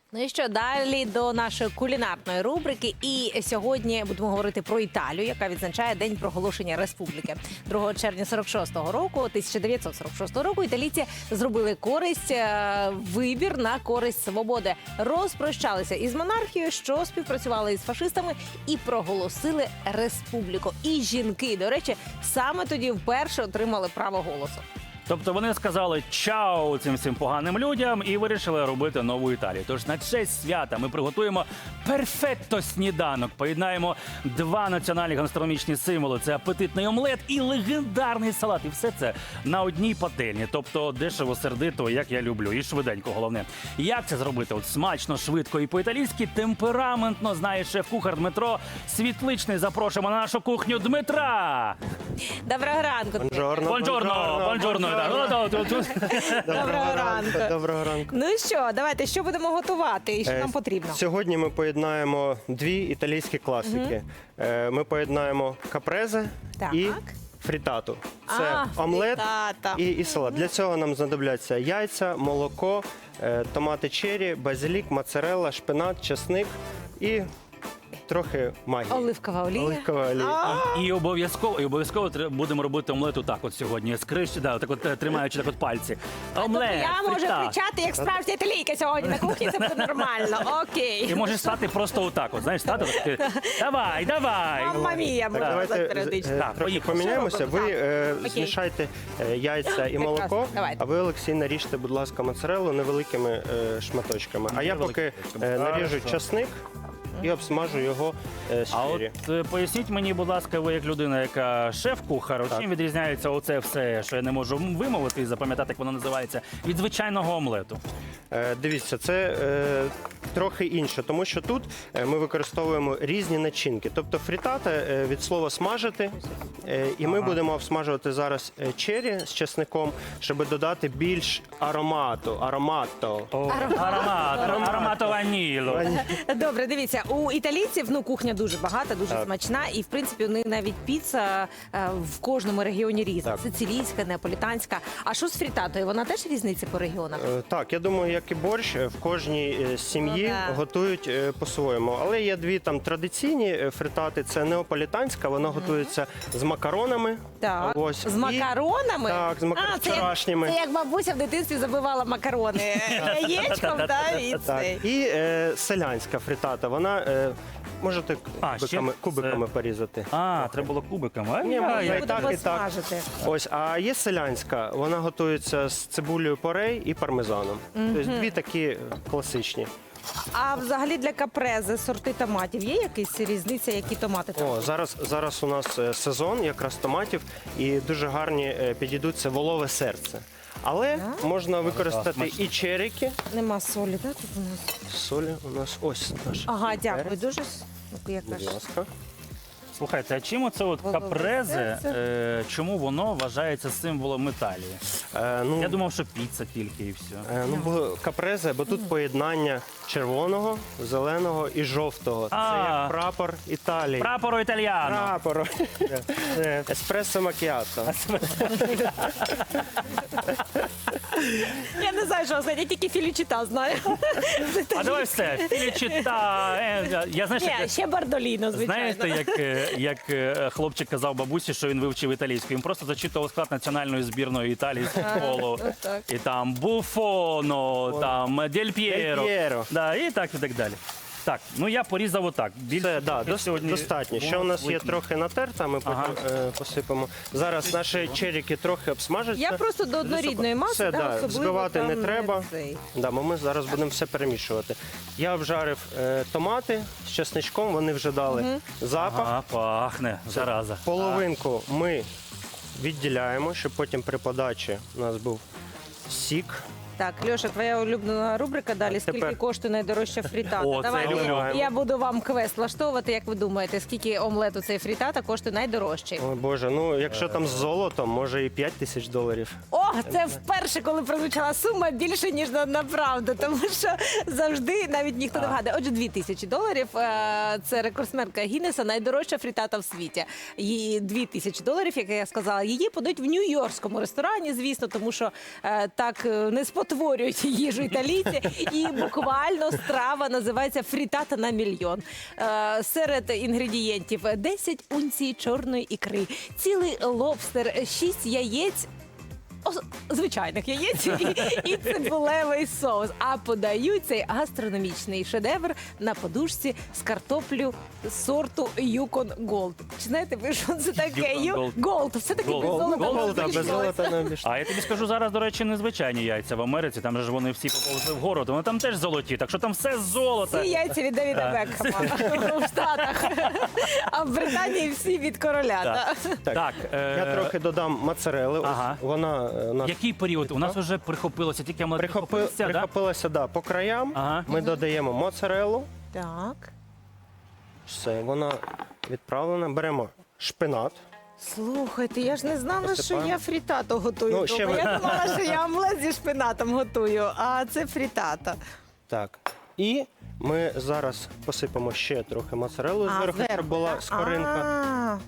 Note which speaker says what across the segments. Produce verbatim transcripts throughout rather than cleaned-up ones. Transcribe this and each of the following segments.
Speaker 1: Ну і що, далі до нашої кулінарної рубрики. І сьогодні будемо говорити про Італію, яка відзначає День проголошення республіки. другого червня сорок шостого року, тисяча дев'ятсот сорок шостого року, італійці зробили користь, е, вибір на користь свободи. Розпрощалися із монархією, що співпрацювали із фашистами, і проголосили республіку. І жінки, до речі, саме тоді вперше отримали право голосу.
Speaker 2: Тобто вони сказали чао цим всім поганим людям і вирішили робити нову Італію. Тож на честь свята ми приготуємо перфетто сніданок. Поєднаємо два національні гастрономічні символи. Це апетитний омлет і легендарний салат. І все це на одній пательні. Тобто дешево, сердито, як я люблю. І швиденько, головне. Як це зробити? От смачно, швидко і по-італійськи, темпераментно, знає шеф-кухар Дмитро Світличний. Запрошуємо на нашу кухню Дмитра!
Speaker 1: Доброго ранку.
Speaker 3: Бонжорно.
Speaker 2: Бонжорно! Бонжорно!
Speaker 1: Доброго ранку.
Speaker 3: Доброго ранку.
Speaker 1: Ну і що, давайте, що будемо готувати і що
Speaker 3: Е,
Speaker 1: нам потрібно?
Speaker 3: Сьогодні ми поєднаємо дві італійські класики. Е, Ми поєднаємо капрезе
Speaker 1: Так.
Speaker 3: і фрітату. Це
Speaker 1: А,
Speaker 3: омлет
Speaker 1: фрітата.
Speaker 3: і, і салат. Для цього нам знадобляться яйця, молоко, е, томати черрі, базилік, моцарелла, шпинат, чесник і трохи магії.
Speaker 1: Оливкова олія.
Speaker 3: Оливкова олія.
Speaker 1: А,
Speaker 2: І обов'язково, і обов'язково тре- будемо робити омлет отак от сьогодні. Скриш, да, так от е, тримаючи так от пальці. Омлет,
Speaker 1: тобто я можу
Speaker 2: фріта.
Speaker 1: кричати, як справжня італійка сьогодні на кухні, це буде нормально. Окей.
Speaker 2: І можеш стати просто отак от, знаєш, стати так, ти, давай, давай.
Speaker 1: Мамма мія,
Speaker 3: Так,
Speaker 1: можна
Speaker 3: давайте
Speaker 1: сказати
Speaker 3: е,
Speaker 1: періодично.
Speaker 2: Так,
Speaker 3: трохи
Speaker 2: поїхали.
Speaker 3: поміняємося.
Speaker 1: Що робимо?
Speaker 3: Ви е,
Speaker 1: Окей.
Speaker 3: змішайте е, яйця і молоко,
Speaker 1: Прекрасно. Давайте.
Speaker 3: а ви, Олексій, наріжте, будь ласка, моцареллу невеликими е, шматочками. А я поки
Speaker 2: Невеликими.
Speaker 3: е, наріжу
Speaker 2: Хорошо.
Speaker 3: часник і обсмажу його е, з
Speaker 2: А
Speaker 3: черрі.
Speaker 2: от е, поясніть мені, будь ласка, ви як людина, яка шеф-кухар, от
Speaker 3: Так.
Speaker 2: чим відрізняється оце все, що я не можу вимовити і запам'ятати, як воно називається, від звичайного омлету?
Speaker 3: Е, Дивіться, це е, трохи інше, тому що тут е, ми використовуємо різні начинки. Тобто фрітата е, від слова смажити, е, і ми
Speaker 2: Ага.
Speaker 3: будемо обсмажувати зараз е, черрі з чесником, щоб додати більш аромату, аромато.
Speaker 2: О, аромат, аромато ваніло.
Speaker 1: Добре, дивіться, у італійців ну кухня дуже багата, дуже
Speaker 3: Так.
Speaker 1: смачна, і в принципі у них навіть піца е, в кожному регіоні різна.
Speaker 3: Так.
Speaker 1: Сицилійська, неаполітанська. А що з фрітатою? Вона теж різниця по регіонах?
Speaker 3: Е, Так, я думаю, як і борщ, е, в кожній е, сім'ї
Speaker 1: Ну, да.
Speaker 3: готують е, по-своєму. Але є дві там традиційні е, фритати. Це неаполітанська, вона готується з макаронами.
Speaker 1: Так,
Speaker 3: Ось.
Speaker 1: з
Speaker 3: І-
Speaker 1: макаронами?
Speaker 3: Так, з мак-
Speaker 1: А, це як-
Speaker 3: вчорашніми.
Speaker 1: Це як бабуся в дитинстві забивала макарони яєчком, да, і
Speaker 3: Так,
Speaker 1: цей.
Speaker 3: і е, селянська фритата, вона е, можете
Speaker 2: А, ще
Speaker 3: кубиками, кубиками
Speaker 2: це-
Speaker 3: порізати.
Speaker 2: А, треба було кубиками.
Speaker 3: Ні,
Speaker 2: Ай,
Speaker 3: можна
Speaker 2: ай, ай.
Speaker 3: і так,
Speaker 1: Будемо
Speaker 3: і так.
Speaker 1: смажити.
Speaker 3: Ось, а є селянська, вона готується з цибулею порей і пармезаном. Тобто дві такі е, класичні.
Speaker 1: А взагалі для капрезе сорти томатів є якась різниця, які томати там?
Speaker 3: О, зараз, зараз у нас е, сезон якраз томатів, і дуже гарні е, підійдуть це волове серце. Але можна використати
Speaker 2: смачно.
Speaker 3: і черіки.
Speaker 1: Нема солі, так? Тут у нас.
Speaker 3: Солі у нас ось наш.
Speaker 1: Ага, дякую
Speaker 3: перець.
Speaker 1: дуже. Ну, яка
Speaker 3: Будь
Speaker 1: ж.
Speaker 3: ласка.
Speaker 2: Слухайте, а чим оце от
Speaker 1: Волове
Speaker 2: капрезе,
Speaker 1: серце.
Speaker 2: е, чому воно вважається символом Італії?
Speaker 3: Е, ну,
Speaker 2: Я думав, що піца тільки і все.
Speaker 3: Е, Ну, бо капрезе, бо тут поєднання червоного, зеленого і жовтого. Це
Speaker 2: А.
Speaker 3: як прапор Італії.
Speaker 2: Прапоро італіано.
Speaker 3: Прапор.
Speaker 2: Е,
Speaker 3: Еспресо макіато.
Speaker 1: Я не знаю, що сказати, я тільки філічита знаю.
Speaker 2: А давай все, філічита. е, Я знаєш,
Speaker 1: Ні,
Speaker 2: як,
Speaker 1: ще бардоліно, звичайно.
Speaker 2: знаєте, як, е, як е, хлопчик казав бабусі, що він вивчив італійську. Він просто зачитував склад національної збірної Італії з футболу.
Speaker 1: ну так.
Speaker 2: І там Буфоно, там Дель П'єро.
Speaker 3: Дель П'єро.
Speaker 2: Да, і так, і так далі. Так, ну я порізав отак. Більше
Speaker 3: Це да,
Speaker 2: трохи
Speaker 3: дос-
Speaker 2: сьогодні
Speaker 3: достатньо. Ще у нас є
Speaker 2: викину.
Speaker 3: трохи натерта, ми потім
Speaker 2: Ага.
Speaker 3: е, посипемо. Зараз наші черіки трохи обсмажаться.
Speaker 1: Я просто до однорідної маси,
Speaker 3: Все,
Speaker 1: да,
Speaker 3: да,
Speaker 1: особливо
Speaker 3: збивати
Speaker 1: там
Speaker 3: не треба.
Speaker 1: цей.
Speaker 3: Да, бо ми зараз будемо все перемішувати. Я обжарив е, томати з чесничком, вони вже дали запах.
Speaker 2: Ага, пахне, зараза.
Speaker 3: Половинку ми відділяємо, щоб потім при подачі у нас був сік.
Speaker 1: Так, Льоша, твоя улюблена рубрика далі.
Speaker 3: Так,
Speaker 1: Скільки
Speaker 3: тепер-
Speaker 1: коштує найдорожча фрітата?
Speaker 2: О, це
Speaker 1: Давайте
Speaker 2: люблю.
Speaker 1: я буду вам квест влаштовувати. Як ви думаєте, скільки омлету цей фрітата коштує найдорожчий?
Speaker 3: Ой, Боже, ну якщо там з золотом, може і п'ять тисяч доларів.
Speaker 1: О, це вперше, коли прозвучала сума більше, ніж на, на правду, тому що завжди навіть ніхто не вгадає. Отже, дві тисячі доларів е, – це рекордсменка Гіннеса, найдорожча фрітата в світі. Її дві тисячі доларів, як я сказала, її подають в нью-йоркському ресторані, звісно, тому що е, так е, не спотворюють їжу італійці. І буквально страва називається фрітата на мільйон. Е, серед інгредієнтів десять унцій чорної ікри, цілий лобстер, шість яєць, ос- звичайних яєць і, і цибулевий соус. А подають цей гастрономічний шедевр на подушці з картоплю сорту Юкон Голд. Чи знаєте ви, що це таке?
Speaker 2: Yukon
Speaker 1: Ю-
Speaker 2: Gold.
Speaker 1: Голд. Все-таки
Speaker 2: Gold.
Speaker 1: без золота
Speaker 2: Gold,
Speaker 1: не
Speaker 3: Голда, без
Speaker 1: обійшлося.
Speaker 3: золота не обійшлося.
Speaker 2: А я тобі скажу зараз, до речі, незвичайні яйця в Америці. Там же ж вони всі поповзли вгору, то вони там теж золоті. Так що там все золото.
Speaker 1: Всі яйця від Девіда
Speaker 2: Так.
Speaker 1: Бекхема в Штатах. А в Британії всі від короля.
Speaker 2: Так.
Speaker 1: та.
Speaker 2: Так, е,
Speaker 3: Я трохи додам моцарели. Ось
Speaker 2: Ага.
Speaker 3: Вона е, у нас
Speaker 2: який період? У нас вже прихопилося, тільки ми
Speaker 3: прихопи-
Speaker 2: прихопилися, да?
Speaker 3: прихопилася да, по краям.
Speaker 2: Ага.
Speaker 3: Ми додаємо моцарелу.
Speaker 1: Так.
Speaker 3: Все, вона відправлена. Беремо шпинат.
Speaker 1: Слухайте, я ж не знала, що
Speaker 3: Посипаємо.
Speaker 1: я фрітату готую.
Speaker 3: Ну,
Speaker 1: вдома.
Speaker 3: ще ви-
Speaker 1: Я думала, що я омлет зі шпинатом готую, а це фрітата.
Speaker 3: Так. І ми зараз посипемо ще трохи моцарелу
Speaker 1: А,
Speaker 3: зверху, щоб
Speaker 1: зверху,
Speaker 3: була
Speaker 1: так?
Speaker 3: скоринка.
Speaker 1: А.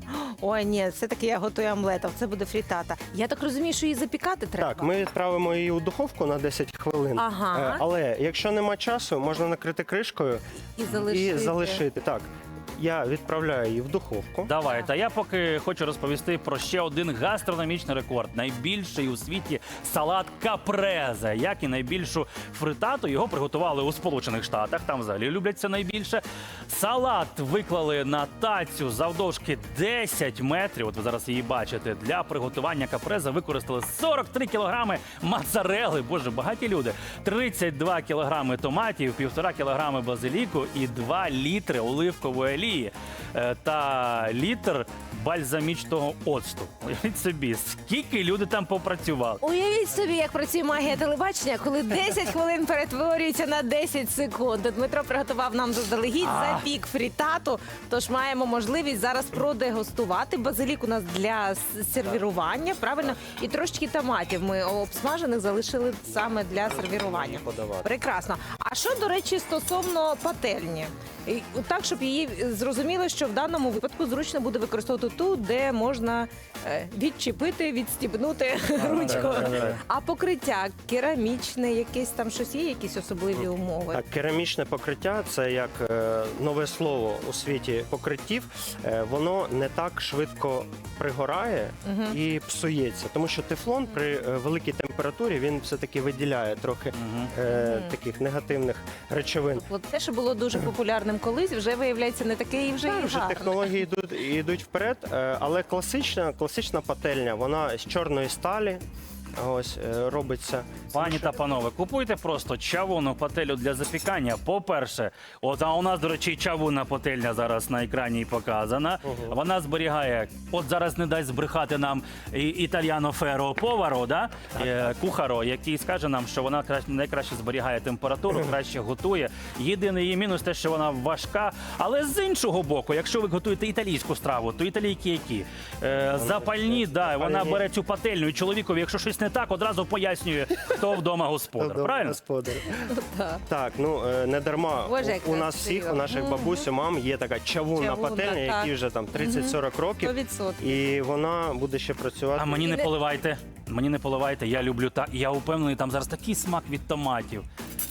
Speaker 1: Ой, ні, все-таки я готую омлетом, це буде фрітата. Я так розумію, що її запікати треба.
Speaker 3: Так, ми відправимо її у духовку на десять хвилин.
Speaker 1: Ага.
Speaker 3: Е, Але якщо нема часу, можна накрити кришкою
Speaker 1: І залишити.
Speaker 3: і залишити. Так, я відправляю її в духовку.
Speaker 2: Давай, та я поки хочу розповісти про ще один гастрономічний рекорд. Найбільший у світі салат капрезе. Як і найбільшу фритату, його приготували у Сполучених Штатах. Там взагалі люблять це найбільше. Салат виклали на тацю завдовжки десять метрів. От ви зараз її бачите. Для приготування капрезе використали сорок три кілограми моцарели. Боже, багаті люди. тридцять два кілограми томатів, півтора кілограми базиліку і два літри оливкової олії. Е, та літр бальзамічного оцту. Уявіть собі, скільки люди там попрацювали.
Speaker 1: Уявіть собі, як працює магія телебачення, коли десять хвилин перетворюється на десять секунд. Дмитро приготував нам заздалегідь запік фрітату, тож маємо можливість зараз продегустувати. Базилік у нас для с- сервірування, правильно? І трошечки томатів ми обсмажених залишили саме для сервірування.
Speaker 3: Подавати.
Speaker 1: Прекрасно. А що, до речі, стосовно пательні? І Так, щоб її зрозуміло, що в даному випадку зручно буде використовувати ту, де можна е, відчепити, відстібнути ручку.
Speaker 3: так, так.
Speaker 1: А покриття керамічне, якесь там щось є, якісь особливі умови?
Speaker 3: Так, керамічне покриття це як е, нове слово у світі покриттів. Е, воно не так швидко пригорає і псується, тому що тефлон при е, великій температурі він все-таки виділяє трохи е, таких негативних речовин.
Speaker 1: От те, що було дуже популярним колись, вже виявляється не таке і вже
Speaker 3: Так,
Speaker 1: і
Speaker 3: вже
Speaker 1: гарне.
Speaker 3: технології йдуть, йдуть вперед, е, але класична, класична пательня, вона з чорної сталі. Ось е, робиться.
Speaker 2: Пані та панове, купуйте просто чавунну пательню для запікання. По-перше, от а у нас, до речі, чавунна пательня зараз на екрані показана. Вона зберігає, от зараз не дасть збрехати нам і- італьяно феро поваро, да? Е, кухаро, який скаже нам, що вона кра- найкраще зберігає температуру, краще готує. Єдиний її мінус те, що вона важка. Але з іншого боку, якщо ви готуєте італійську страву, то італійки які? Е, запальні, да, вона
Speaker 3: запальні.
Speaker 2: бере цю пательню і чоловікові, якщо щось не так, одразу пояснює, хто вдома господар.
Speaker 3: Добре,
Speaker 2: Правильно?
Speaker 3: господар.
Speaker 1: Так.
Speaker 3: Так, ну е, не дарма
Speaker 1: Боже, як
Speaker 3: у, у нас
Speaker 1: красиво.
Speaker 3: всіх, у наших бабусь, у мам є така чавунна
Speaker 1: Чавунна,
Speaker 3: пательня,
Speaker 1: так.
Speaker 3: якій вже там тридцять-сорок років.
Speaker 1: сто відсотків.
Speaker 3: І вона буде ще працювати.
Speaker 2: А мені не
Speaker 1: І не-
Speaker 2: поливайте. Мені не поливайте. Я люблю так. Я упевнений, там зараз такий смак від томатів.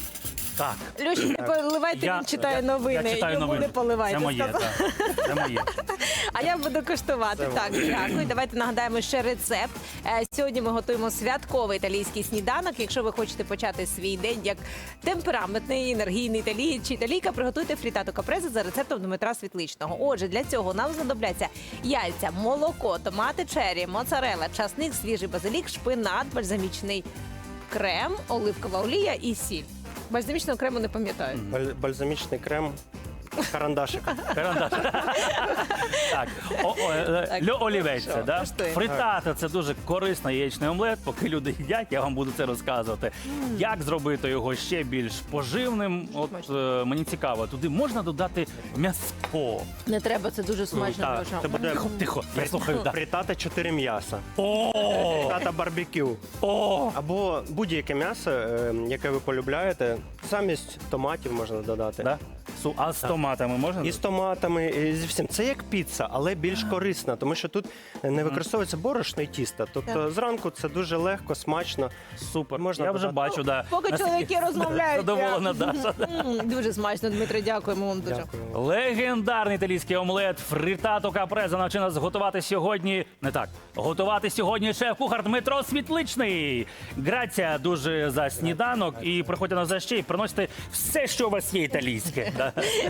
Speaker 2: Так.
Speaker 1: Льоша, не поливайте,
Speaker 2: Я-
Speaker 1: він читає
Speaker 2: я-
Speaker 1: новини.
Speaker 2: Я читаю
Speaker 1: Йому
Speaker 2: новини.
Speaker 1: не поливайте.
Speaker 2: Це моє,
Speaker 1: сказав.
Speaker 2: так. Це моє.
Speaker 1: А я буду коштувати.
Speaker 3: Це
Speaker 1: Так, дякую. Давайте нагадаємо ще рецепт. Е, Сьогодні ми готуємо святковий італійський сніданок. Якщо ви хочете почати свій день як темпераментний, енергійний італієць чи італійка, приготуйте фрітату капрезе за рецептом Дмитра Світличного. Отже, для цього нам знадобляться яйця, молоко, томати чері, моцарела, часник, свіжий базилік, шпинат, бальзамічний крем, оливкова олія і сіль. Бальзамічного крему не пам'ятаю.
Speaker 3: Баль- бальзамічний крем. карандашиком.
Speaker 2: Карандаш. Так, о, о, е,
Speaker 1: Так,
Speaker 2: льо олівець,
Speaker 1: що,
Speaker 2: да?
Speaker 1: коштує.
Speaker 2: Фритата – це дуже корисний яєчний омлет. Поки люди їдять, я вам буду це розказувати. Як зробити його ще більш поживним? От е, мені цікаво, туди можна додати м'ясо.
Speaker 1: Не треба, це дуже смачно.
Speaker 3: Так,
Speaker 1: Льоша.
Speaker 3: це буде
Speaker 2: Тихо, тихо, я слухаю. да.
Speaker 3: фритата чотири м'яса.
Speaker 2: О,
Speaker 3: Фритата барбекю.
Speaker 2: о,
Speaker 3: Або будь-яке м'ясо, е, яке ви полюбляєте, замість томатів можна додати.
Speaker 2: да? Су- А з томатами можна?
Speaker 3: І з томатами, і зі всім. Це як піца, але більш корисна, тому що тут не використовується борошно і тісто. Тобто зранку це дуже легко, смачно.
Speaker 2: Супер.
Speaker 3: Можна
Speaker 2: я вже
Speaker 3: додати.
Speaker 2: бачу, да.
Speaker 1: Поки
Speaker 2: наскільки
Speaker 1: чоловіки розмовляють,
Speaker 2: Задоволена
Speaker 1: я-
Speaker 2: Даша.
Speaker 1: М, Дуже смачно, Дмитро, дякуємо вам дуже.
Speaker 3: Дякую.
Speaker 2: Легендарний італійський омлет фритато капреза навчив нас готувати сьогодні. Не так. Готувати сьогодні шеф-кухар Дмитро Світличний. Грація дуже за сніданок. І приходьте на за ще і приносите все, що у вас є італійське. Да.